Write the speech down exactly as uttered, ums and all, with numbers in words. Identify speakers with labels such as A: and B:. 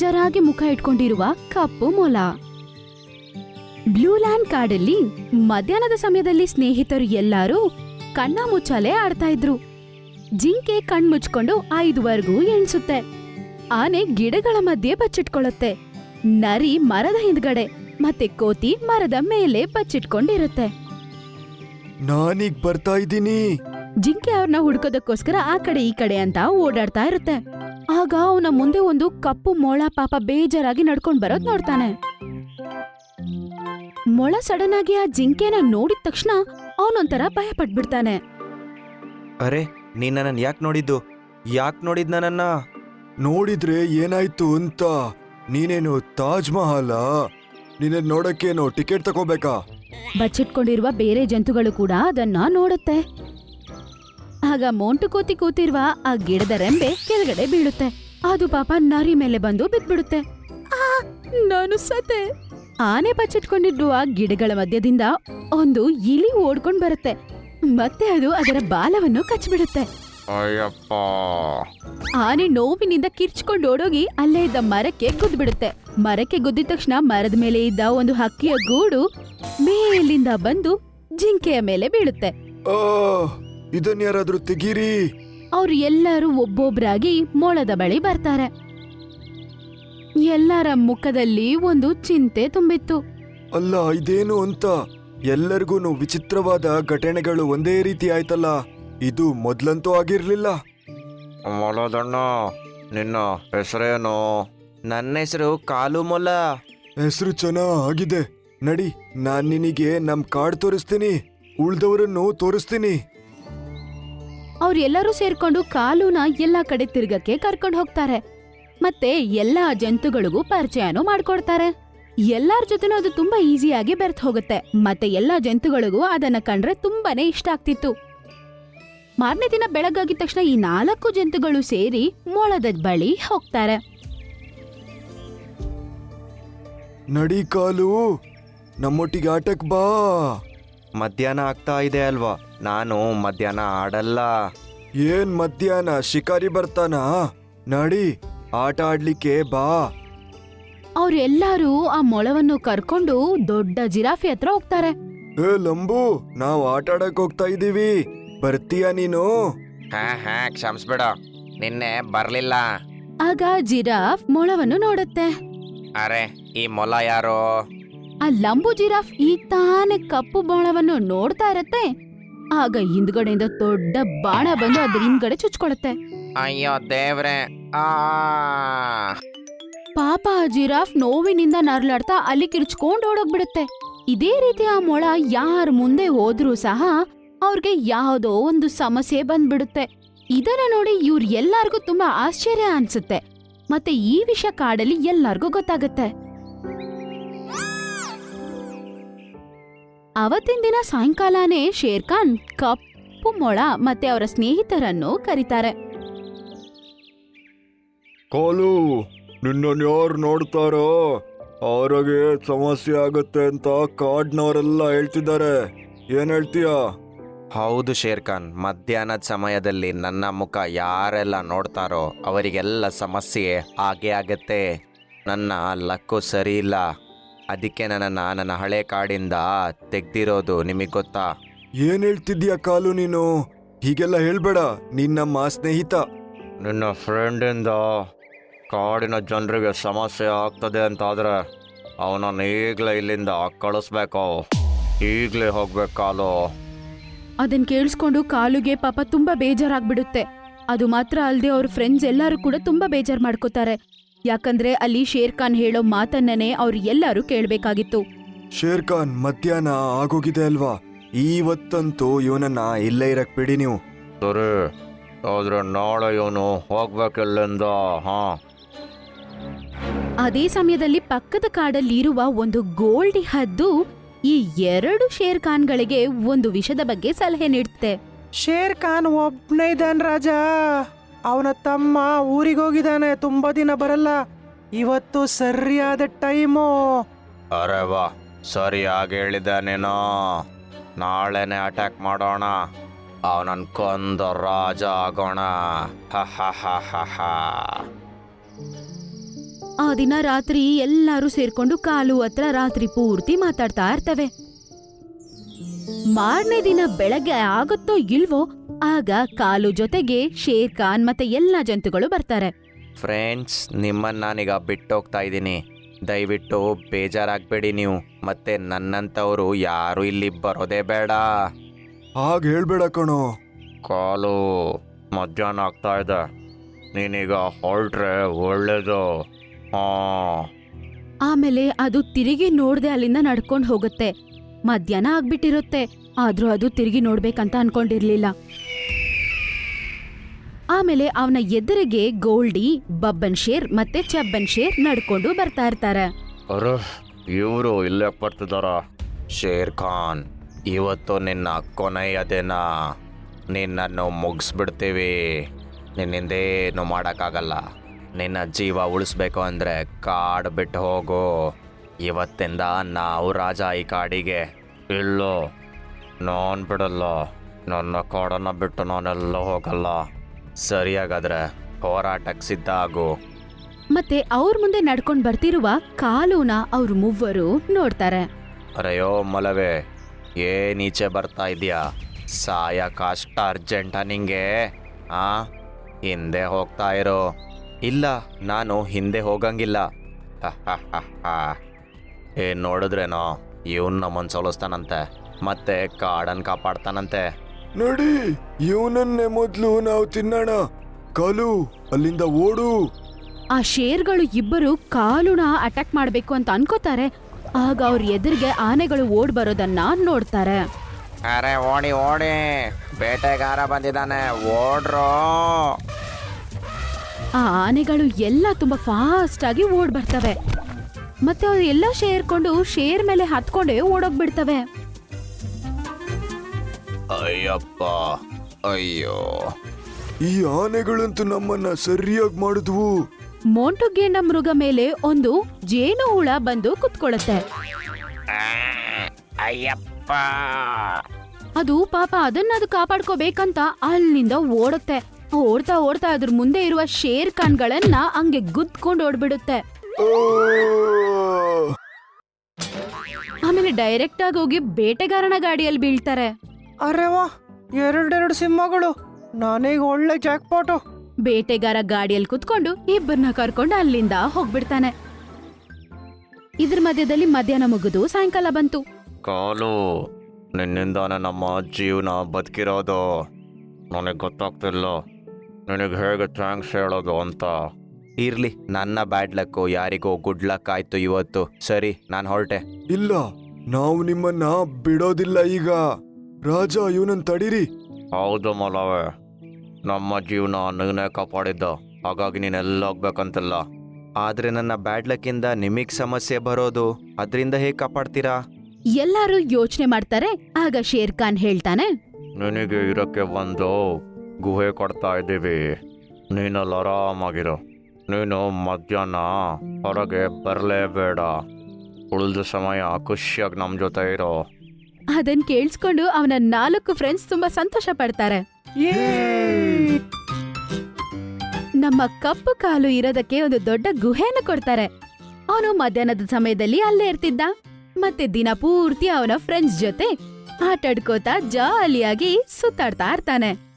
A: ಬೇಜಾರಾಗಿ ಮುಖ ಇಟ್ಕೊಂಡಿರುವ ಕಪ್ಪು ಮೊಲ. ಬ್ಲೂ ಲ್ಯಾಂಡ್ ಕಾಡಲ್ಲಿ ಮಧ್ಯಾಹ್ನದ ಸಮಯದಲ್ಲಿ ಸ್ನೇಹಿತರು ಎಲ್ಲರೂ ಕಣ್ಣ ಮುಚ್ಚಾಲೆ ಆಡ್ತಾ ಇದ್ರು. ಜಿಂಕೆ ಕಣ್ಮುಚ್ಕೊಂಡು ಐದುವರೆಗೂ ಎಣ್ಸುತ್ತೆ. ಆನೆ ಗಿಡಗಳ ಮಧ್ಯೆ ಬಚ್ಚಿಟ್ಕೊಳ್ಳುತ್ತೆ. ನರಿ ಮರದ ಹಿಂದ್ಗಡೆ ಮತ್ತೆ ಕೋತಿ ಮರದ ಮೇಲೆ ಬಚ್ಚಿಟ್ಕೊಂಡಿರುತ್ತೆ.
B: ನಾನೀಗ್ ಬರ್ತಾ ಇದ್ದೀನಿ.
A: ಜಿಂಕೆ ಅವ್ರನ್ನ ಹುಡ್ಕೋದಕ್ಕೋಸ್ಕರ ಆ ಕಡೆ ಈ ಕಡೆ ಅಂತ ಓಡಾಡ್ತಾ ಇರುತ್ತೆ. ಆಗ ಅವನ ಮುಂದೆ ಒಂದು ಕಪ್ಪು ಮೊಳ ಪಾಪ ಬೇಜಾರಾಗಿ ನಡ್ಕೊಂಡ್ ಬರೋದ್ ನೋಡ್ತಾನೆ. ಮೊಳ ಸಡನ್ ಆಗಿ ಆ ಜಿಂಕೆನ ನೋಡಿದ ತಕ್ಷಣ ಅವನೊಂಥರ ಭಯ ಪಟ್ಬಿಡ್ತಾನೆ.
C: ಅರೆ, ನೀನ್ ನನ್ನನ್ ಯಾಕೆ ನೋಡಿದ್ದು? ಯಾಕೆ ನೋಡಿದ್ ನನ್ನನ್ನ?
B: ನೋಡಿದ್ರೆ ಏನಾಯ್ತು ಅಂತ? ನೀನೇನು ತಾಜ್ ಮಹಲ? ನಿನ್ನ ನೋಡಕ್ಕೇನು ಟಿಕೆಟ್ ತಗೋಬೇಕಾ?
A: ಬಚ್ಚಿಟ್ಕೊಂಡಿರುವ ಬೇರೆ ಜಂತುಗಳು ಕೂಡ ಅದನ್ನ ನೋಡುತ್ತೆ. ಆಗ ಮೋಂಟು ಕೋತಿ ಕೂತಿರುವ ಆ ಗಿಡದ ರೆಂಬೆ ಕೆಳಗಡೆ ಬೀಳುತ್ತೆ. ಅದು ಪಾಪ ನರಿ ಮೇಲೆ ಬಂದು ಬಿದ್ಬಿಡುತ್ತೆ. ಆ, ನಾನು ಸತೆ. ಆನೆ ಬಚ್ಚಿಟ್ಕೊಂಡಿರುವ ಗಿಡಗಳ ಮಧ್ಯದಿಂದ ಒಂದು ಇಲಿ ಓಡ್ಕೊಂಡ್ ಬರುತ್ತೆ. ಮತ್ತೆ ಅದು ಅದರ ಬಾಲವನ್ನು ಕಚ್ಬಿಡುತ್ತೆ.
C: ಅಯ್ಯಪ್ಪ!
A: ಆನೆ ನೋವಿನಿಂದ ಕಿರ್ಚ್ಕೊಂಡು ಓಡೋಗಿ ಅಲ್ಲೇ ಇದ್ದ ಮರಕ್ಕೆ ಗುದ್ಬಿಡುತ್ತೆ. ಮರಕ್ಕೆ ಗುದ್ದಿದ ತಕ್ಷಣ ಮರದ ಮೇಲೆ ಇದ್ದ ಒಂದು ಹಕ್ಕಿಯ ಗೂಡು ಮೇಲಿಂದ ಬಂದು ಜಿಂಕೆಯ ಮೇಲೆ ಬೀಳುತ್ತೆ.
B: ಆ ಇದನ್ ಯಾರಾದ್ರೂ ತೆಗೀರಿ.
A: ಅವ್ರು ಎಲ್ಲರೂ ಒಬ್ಬೊಬ್ರಾಗಿ ಮೊಳದ ಬಳಿ ಬರ್ತಾರೆ. ಎಲ್ಲರ ಮುಖದಲ್ಲಿ ಒಂದು ಚಿಂತೆ ತುಂಬಿತ್ತು.
B: ಅಲ್ಲ, ಇದೇನು ಅಂತ? ಎಲ್ಲರಿಗೂನು ವಿಚಿತ್ರವಾದ ಘಟನೆಗಳು ಒಂದೇ ರೀತಿ ಆಯ್ತಲ್ಲ. ಇದು ಮೊದ್ಲಂತೂ ಆಗಿರ್ಲಿಲ್ಲ.
C: ಮೊಲದಣ್ಣ, ನಿನ್ನ ಹೆಸರೇನು? ನನ್ನ ಹೆಸರು ಕಾಲು ಮೊಲ.
B: ಹೆಸರು ಚೆನ್ನಾಗಿದೆ. ನಡಿ, ನಾನ್ ನಿನಗೆ ನಮ್ ಕಾಡ್ ತೋರಿಸ್ತೀನಿ, ಉಳ್ದವರನ್ನು ತೋರಿಸ್ತೀನಿ.
A: ಅವ್ರೆಲ್ಲರೂ ಸೇರ್ಕೊಂಡು ಕಾಲುನ ಎಲ್ಲಾ ಕಡೆ ತಿರ್ಗಕ್ಕೆ ಕರ್ಕೊಂಡು ಹೋಗ್ತಾರೆ. ಮತ್ತೆ ಎಲ್ಲಾ ಜಂತುಗಳಿಗೂ ಪರಿಚಯನೂ ಮಾಡ್ಕೊಡ್ತಾರೆ. ಎಲ್ಲಾರ ಜೊತೆನೂ ಅದು ತುಂಬಾ ಈಸಿಯಾಗಿ ಬೆರ್ತ್ ಹೋಗುತ್ತೆ. ಮತ್ತೆ ಎಲ್ಲಾ ಜಂತುಗಳಿಗೂ ಅದನ್ನ ಕಂಡ್ರೆ ತುಂಬಾನೇ ಇಷ್ಟ ಆಗ್ತಿತ್ತು. ಮಾರನೇ ದಿನ ಬೆಳಗಾಗಿದ ತಕ್ಷಣ ಈ ನಾಲ್ಕು ಜಂತುಗಳು ಸೇರಿ ಮೊಳದ ಬಳಿ ಹೋಗ್ತಾರೆ.
B: ನಡಿ ಕಾಲು, ನಮ್ಮೊಟ್ಟಿಗೆ ಆಟಕ್ ಬಾ.
C: ಮಧ್ಯಾಹ್ನ ಆಗ್ತಾ ಇದೆ ಅಲ್ವಾ? ನಾನು ಮಧ್ಯಾಹ್ನ ಆಡಲ್ಲ.
B: ಏನ್ ಮಧ್ಯಾಹ್ನ? ಶಿಕಾರಿ ಬರ್ತಾನ? ನಡಿ, ಆಟ ಆಡ್ಲಿಕ್ಕೆ ಬಾ.
A: ಅವ್ರೆಲ್ಲಾರು ಆ ಮೊಳವನ್ನು ಕರ್ಕೊಂಡು ದೊಡ್ಡ ಜಿರಾಫೆ ಹತ್ರ ಹೋಗ್ತಾರೆ.
B: ಏ ಲಂಬು, ನಾವ್ ಆಟ ಆಡಕ್ ಹೋಗ್ತಾ ಇದೀವಿ, ಬರ್ತೀಯಾ ನೀನು?
C: ಹಾ ಹಾ ಕ್ಷಮಿಸ್ಬೇಡ, ನಿನ್ನೆ ಬರ್ಲಿಲ್ಲ.
A: ಆಗ ಜಿರಾಫ್ ಮೊಳವನ್ನು ನೋಡುತ್ತೆ.
C: ಅರೆ, ಈ ಮೊಲ ಯಾರು?
A: ಆ ಲಂಬು ಜಿರಾಫ್ ಈ ತಾನೇ ಕಪ್ಪು ಮೊಳವನ್ನು ನೋಡ್ತಾ ಇರತ್ತೆ. ಆಗ ಹಿಂದ್ಗಡೆಯಿಂದ ದೊಡ್ಡ ಬಾಣ ಬಂದು ಅದ್ರ ಹಿಂದ್ಗಡೆ ಚುಚ್ಕೊಳತ್ತೆ.
C: ಅಯ್ಯೋ ದೇವ್ರೆ! ಆ
A: ಪಾಪ ಆ ಜಿರಾಫ್ ನೋವಿನಿಂದ ನರ್ಲಾಡ್ತಾ ಅಲ್ಲಿ ಕಿರ್ಚ್ಕೊಂಡ್ ಓಡೋಗ್ಬಿಡುತ್ತೆ. ಇದೇ ರೀತಿ ಆ ಮೊಳ ಯಾರ ಮುಂದೆ ಹೋದ್ರೂ ಸಹ ಅವ್ರಿಗೆ ಯಾವುದೋ ಒಂದು ಸಮಸ್ಯೆ ಬಂದ್ಬಿಡುತ್ತೆ. ಇದನ್ನ ನೋಡಿ ಇವ್ರ ಎಲ್ಲಾರ್ಗೂ ತುಂಬಾ ಆಶ್ಚರ್ಯ ಅನ್ಸುತ್ತೆ. ಮತ್ತೆ ಈ ವಿಷಯ ಕಾಡಲ್ಲಿ ಎಲ್ಲಾರ್ಗೂ ಗೊತ್ತಾಗತ್ತೆ. ಅವತ್ತಿನ ದಿನ ಸಾಯಂಕಾಲನೇ ಶೇರ್ ಖಾನ್ ಕಪ್ಪು ಮೊಳ ಮತ್ತೆ ಅವರ ಸ್ನೇಹಿತರನ್ನು ಕರೀತಾರೆ.
B: ಕಾಲು, ನಿನ್ನನ್ ಯಾರು ನೋಡ್ತಾರೋ ಅವ್ರಿಗೆ ಸಮಸ್ಯೆ ಆಗುತ್ತೆ ಅಂತ ಕಾಡ್ನವರೆಲ್ಲ ಹೇಳ್ತಿದ್ದಾರೆ. ಏನ್ ಹೇಳ್ತೀಯ?
C: ಹೌದು ಶೇರ್ ಖಾನ್, ಮಧ್ಯಾಹ್ನದ ಸಮಯದಲ್ಲಿ ನನ್ನ ಮುಖ ಯಾರೆಲ್ಲ ನೋಡ್ತಾರೋ ಅವರಿಗೆಲ್ಲ ಸಮಸ್ಯೆ ಆಗೇ ಆಗತ್ತೆ. ನನ್ನ ಲಕ್ಕು ಸರಿ ಇಲ್ಲ, ಅದಕ್ಕೆ ನನ್ನನ್ನು ನನ್ನ ಹಳೆ ಕಾಡಿಂದ ತೆಗ್ದಿರೋದು. ನಿಮಗೆ ಗೊತ್ತಾ?
B: ಏನ್ ಹೇಳ್ತಿದ್ಯಾ ಕಾಲು ನೀನು? ಹೀಗೆಲ್ಲ ಹೇಳ್ಬೇಡ, ನೀನ್ ನಮ್ಮ ಸ್ನೇಹಿತ.
C: ನಿನ್ನ ಫ್ರೆಂಡಿಂದ ಕಾಡಿನ ಜನರಿಗೆ ಸಮಸ್ಯೆ ಆಗ್ತದೆ ಅಂತಾದ್ರೆ ಅವನನ್ನು ಈಗಲೇ ಇಲ್ಲಿಂದ ಕಳಿಸ್ಬೇಕು. ಈಗಲೇ ಹೋಗ್ಬೇಕು ಕಾಲು.
A: ಅದನ್ ಕೇಳಿಸ್ಕೊಂಡು ಕಾಲುಗೆ ಪಾಪ ತುಂಬಾ ಬೇಜಾರಾಗ್ಬಿಡುತ್ತೆ. ಅದು ಮಾತ್ರ ಅಲ್ಲದೆ ಅವ್ರ ಫ್ರೆಂಡ್ಸ್ ಎಲ್ಲರೂ ಕೂಡ ತುಂಬಾ ಬೇಜಾರ್ ಮಾಡ್ಕೋತಾರೆ. ಯಾಕಂದ್ರೆ ಅಲ್ಲಿ ಶೇರ್ ಖಾನ್ ಹೇಳೋ ಮಾತನ್ನೇ ಅವ್ರು ಎಲ್ಲರೂ ಕೇಳ್ಬೇಕಾಗಿತ್ತು.
B: ಶೇರ್ ಖಾನ್, ಮಧ್ಯಾಹ್ನ ಆಗೋಗಿದೆ ಅಲ್ವಾ? ಇವತ್ತಂತೂ ಇವನನ್ನ ಇಲ್ಲೇ ಇರಕ್ ಬಿಡಿ ನೀವು.
C: ಸರಿ, ಆದ್ರೆ ನಾಳೆ ಇವನು ಹೋಗ್ಬೇಕಿಲ್ಲಿಂದ. ಹಾ.
A: ಅದೇ ಸಮಯದಲ್ಲಿ ಪಕ್ಕದ ಕಾಡಲ್ಲಿರುವ ಒಂದು ಗೋಲ್ಡಿ ಹದ್ದು ಈ ಎರಡು ಶೇರ್ ಖಾನ್ಗಳಿಗೆ ಒಂದು ವಿಷಯದ ಬಗ್ಗೆ ಸಲಹೆ ನೀಡುತ್ತೆ.
D: ಶೇರ್ ಖಾನ್ ಒಬ್ನೇ ಇದ್ದಾನೆ ರಾಜ. ಅವನ ತಮ್ಮ ಊರಿಗೆ ಹೋಗಿದ್ದಾನೆ, ತುಂಬಾ ದಿನ ಬರಲ್ಲ. ಇವತ್ತು ಸರಿಯಾದ ಟೈಮು.
C: ಅರೆ ವಾ, ಸರಿಯಾಗಿ ಹೇಳಿದ್ದಾನೇನೋ. ನಾಳೆನೆ ಅಟ್ಯಾಕ್ ಮಾಡೋಣ, ಅವನನ್ ಕೊಂದ ರಾಜ ಆಗೋಣ. ಹ ಹ ಹ ಹ ಹ.
A: ಆ ದಿನ ರಾತ್ರಿ ಎಲ್ಲರೂ ಸೇರ್ಕೊಂಡು ಕಾಲು ಹತ್ರ ರಾತ್ರಿ ಪೂರ್ತಿ ಮಾತಾಡ್ತಾ ಇರ್ತವೆ. ಮಾರನೇ ದಿನ ಬೆಳಗ್ಗೆ ಆಗುತ್ತೋ ಇಲ್ವೋ ಆಗ ಕಾಲು ಜೊತೆಗೆ ಶೇರ್ ಖಾನ್ ಮತ್ತೆ ಎಲ್ಲಾ ಜಂತುಗಳು ಬರ್ತಾರೆ.
C: ಫ್ರೆಂಡ್ಸ್, ನಿಮ್ಮನ್ನ ನಾನೀಗ ಬಿಟ್ಟೋಗ್ತಾ ಇದ್ದೀನಿ. ದಯವಿಟ್ಟು ಬೇಜಾರಾಗಬೇಡಿ ನೀವು. ಮತ್ತೆ ನನ್ನಂಥವ್ರು ಯಾರು ಇಲ್ಲಿ ಬರೋದೇ ಬೇಡ.
B: ಹಾಗೆ ಹೇಳ್ಬೇಡ ಕಣೋ.
C: ಕಾಲು, ಮಧ್ಯಾಹ್ನ ಆಗ್ತಾ ಇದೆ, ನೀನೀಗ ಹೊರಟ್ರೆ ಒಳ್ಳೇದು. ಹಾ.
A: ಆಮೇಲೆ ಅದು ತಿರುಗಿ ನೋಡ್ದೆ ಅಲ್ಲಿಂದ ನಡ್ಕೊಂಡ್ ಹೋಗುತ್ತೆ. ಮಧ್ಯಾಹ್ನ ಆಗ್ಬಿಟ್ಟಿರುತ್ತೆ, ಆದ್ರೂ ಅದು ತಿರುಗಿ ನೋಡ್ಬೇಕಂತ ಅನ್ಕೊಂಡಿರ್ಲಿಲ್ಲ. ಆಮೇಲೆ ಅವನ ಎದುರಿಗೆ ಗೋಲ್ಡಿ, ಬಬ್ಬನ್ ಶೇರ್ ಮತ್ತೆ ಚಬ್ಬನ್ ಶೇರ್ ನಡ್ಕೊಂಡು ಬರ್ತಾ ಇರ್ತಾರೆ.
C: ಅರೆ, ಇವರು ಇಲ್ಲೇ ಬರ್ತಿದಾರ. ಶೇರ್ ಖಾನ್, ಇವತ್ತು ನಿನ್ನ ಕೊನೆಯ ದಿನ. ನಿನ್ನನ್ನು ಮುಗಿಸ್ಬಿಡ್ತೀವಿ. ನಿನ್ನಿಂದೇನು ಮಾಡೋಕ್ಕಾಗಲ್ಲ. ನಿನ್ನ ಜೀವ ಉಳಿಸ್ಬೇಕು ಅಂದರೆ ಕಾಡು ಬಿಟ್ಟು ಹೋಗು. ಇವತ್ತಿಂದ ನಾವು ರಾಜ ಈ ಕಾಡಿಗೆ. ಇಲ್ಲೋ, ನಾನು ಬಿಡಲ್ಲ. ನನ್ನ ಕಾಡನ್ನು ಬಿಟ್ಟು ನಾನೆಲ್ಲ ಹೋಗಲ್ಲ. ಸರಿಯಾಗಾದ್ರೆ ಹೋರಾಟಕ್ಕೆ ಸಿದ್ಧ ಆಗು.
A: ಮತ್ತೆ ಅವ್ರ ಮುಂದೆ ನಡ್ಕೊಂಡ್ ಬರ್ತಿರುವ ಕಾಲುನ ಅವ್ರ ಮೂವರು ನೋಡ್ತಾರೆ.
C: ಅರೆಯೋ ಮಲವೇ, ಏನ್ ಈಚೆ ಬರ್ತಾ ಇದೀಯಾ? ಸಾಯಕಷ್ಟ ಅರ್ಜೆಂಟಾ ನಿಂಗೆ? ಆ ಹಿಂದೆ ಹೋಗ್ತಾ ಇರೋ. ಇಲ್ಲ, ನಾನು ಹಿಂದೆ ಹೋಗಂಗಿಲ್ಲ. ಏನ್ ನೋಡಿದ್ರೇನೋ, ಇವನ್ ನಮ್ಮನ್ ಸೋಲಿಸ್ತಾನಂತೆ ಮತ್ತೆ ಕಾಡನ್ ಕಾಪಾಡ್ತಾನಂತೆ.
B: ನಡಿ, ಇವನನ್ನೇ ಮೊದ್ಲು ನಾವು ತಿನ್ನೋಣ. ಕಾಲು, ಅಲ್ಲಿಂದ ಓಡು.
A: ಆ ಶೇರ್ಗಳು ಇಬ್ಬರು ಕಾಲುನ ಅಟ್ಯಾಕ್ ಮಾಡ್ಬೇಕು ಅಂತ ಅನ್ಕೋತಾರೆ. ಆಗ ಅವ್ರ ಎದುರಿಗೆ ಆನೆಗಳು ಓಡ್ ಬರೋದನ್ನ ನೋಡ್ತಾರೆ.
C: ಅರೆ ಓಡಿ ಓಡಿ, ಬೇಟೆಗಾರ ಬಂದಿದ್ದಾನೆ, ಓಡ್ರೋ.
A: ಆ ಆನೆಗಳು ಎಲ್ಲ ತುಂಬಾ ಫಾಸ್ಟ್ ಆಗಿ ಓಡ್ ಬರ್ತವೆ. ಮತ್ತೆ ಅವ್ರು ಎಲ್ಲ ಶೇರ್ಕೊಂಡು ಶೇರ್ ಮೇಲೆ ಹತ್ಕೊಂಡೇ ಓಡೋಗ್ಬಿಡ್ತವೆ.
C: ಅಯ್ಯಪ್ಪ, ಅಯ್ಯೋ.
B: ಈ ಆನೆಗಳಂತೂ ನಮ್ಮನ್ನ ಸರಿಯಾಗಿ ಮಾಡಿದ್ವು.
A: ಮೋಂಟು ಗೇಂಡ ಮೃಗ ಮೇಲೆ ಒಂದು ಜೇನು ಹುಳ ಬಂದು ಕುತ್ಕೊಳ್ಳುತ್ತೆ.
C: ಅಯ್ಯಪ್ಪ.
A: ಅದು ಪಾಪ ಅದನ್ನ ಅದು ಕಾಪಾಡ್ಕೋಬೇಕಂತ ಅಲ್ಲಿಂದ ಓಡುತ್ತೆ. ಓಡ್ತಾ ಓಡ್ತಾ ಅದ್ರ ಮುಂದೆ ಇರುವ ಶೇರ್ ಖಾನ್ಗಳನ್ನ ಹಂಗೆ ಗುದ್ಕೊಂಡು ಓಡ್ಬಿಡುತ್ತೆ. ಆಮೇಲೆ ಡೈರೆಕ್ಟ್ ಆಗಿ ಹೋಗಿ ಬೇಟೆಗಾರನ ಗಾಡಿಯಲ್ಲಿ ಬೀಳ್ತಾರೆ.
D: ಅರೆ ವಾ, ಎರಡೆರಡು ಸಿಂಹಗಳು. ನಾನೀಗ ಒಳ್ಳೆ ಜಾಕ್ಪಾಟು.
A: ಬೇಟೆಗಾರ ಗಾಡಿಯಲ್ಲಿ ಕುತ್ಕೊಂಡು ಇಬ್ಬರನ್ನ ಕರ್ಕೊಂಡು ಅಲ್ಲಿಂದ ಹೋಗ್ಬಿಡ್ತಾನೆ. ಇದ್ರ ಮಧ್ಯದಲ್ಲಿ ಮಧ್ಯಾಹ್ನ ಮುಗಿದು ಸಾಯಂಕಾಲ ಬಂತು.
C: ಕಾಲು, ನಿನ್ನಿಂದಾನೆ ನಮ್ಮ ಜೀವನ ಬದುಕಿರೋದು. ನನಗೆ ಗೊತ್ತಾಗ್ತಿಲ್ಲ ನಿನಗೆ ಹೇಗೆ ಥ್ಯಾಂಕ್ಸ್ ಹೇಳೋದು ಅಂತ. ಇರ್ಲಿ, ನನ್ನ ಬ್ಯಾಡ್ ಲಕ್ಕು ಯಾರಿಗೋ ಗುಡ್ ಲಕ್ ಆಯ್ತು ಇವತ್ತು. ಸರಿ, ನಾನು ಹೊರಟೆ.
B: ಇಲ್ಲ, ನಾವು ನಿಮ್ಮನ್ನ ಬಿಡೋದಿಲ್ಲ ಈಗ. ರಾಜ, ಇವನನ್ನ ತಡೀರಿ.
C: ಹೌದು ಮಲವೇ, ನಮ್ಮ ಜೀವನ ನೀನೇ ಕಾಪಾಡಿದ್ದ, ಹಾಗಾಗಿ ನೀನೆಲ್ಲ ಹೋಗ್ಬೇಕಂತಿಲ್ಲ. ಆದ್ರೆ ನನ್ನ ಬ್ಯಾಡ್ ಲಕ್ಕಿಂದ ನಿಮಗ್ ಸಮಸ್ಯೆ ಬರೋದು, ಅದರಿಂದ ಹೇಗೆ ಕಾಪಾಡ್ತೀರಾ?
A: ಎಲ್ಲಾರು ಯೋಚನೆ ಮಾಡ್ತಾರೆ. ಆಗ ಶೇರ್ ಖಾನ್ ಹೇಳ್ತಾನೆ,
C: ನಿನಗೆ ಇರೋಕ್ಕೆ ಒಂದು ಗುಹೆ ಕೊಡ್ತಾ ಇದ್ದೀವಿ. ನೀನಲ್ಲಿ ಆರಾಮಾಗಿರೋ. ನೀನು ಮಧ್ಯಾಹ್ನ ಹೊರಗೆ ಬರಲೇಬೇಡ. ಉಳಿದ ಸಮಯ ಖುಷಿಯಾಗಿ ನಮ್ಮ ಜೊತೆ ಇರೋ.
A: ಅದನ್ ಕೇಳಿಸ್ಕೊಂಡು ಅವನ ನಾಲ್ಕು ಫ್ರೆಂಡ್ಸ್ ತುಂಬಾ ಸಂತೋಷ ಪಡ್ತಾರೆ. ನಮ್ಮ ಕಪ್ಪು ಕಾಲು ಇರೋದಕ್ಕೆ ಒಂದು ದೊಡ್ಡ ಗುಹೆಯನ್ನು ಕೊಡ್ತಾರೆ. ಅವನು ಮಧ್ಯಾಹ್ನದ ಸಮಯದಲ್ಲಿ ಅಲ್ಲೇ ಇರ್ತಿದ್ದ. ಮತ್ತೆ ದಿನ ಪೂರ್ತಿ ಅವನ ಫ್ರೆಂಡ್ಸ್ ಜೊತೆ ಆಟಾಡ್ಕೋತಾ ಜಾಲಿಯಾಗಿ ಸುತ್ತಾಡ್ತಾ ಇರ್ತಾನೆ.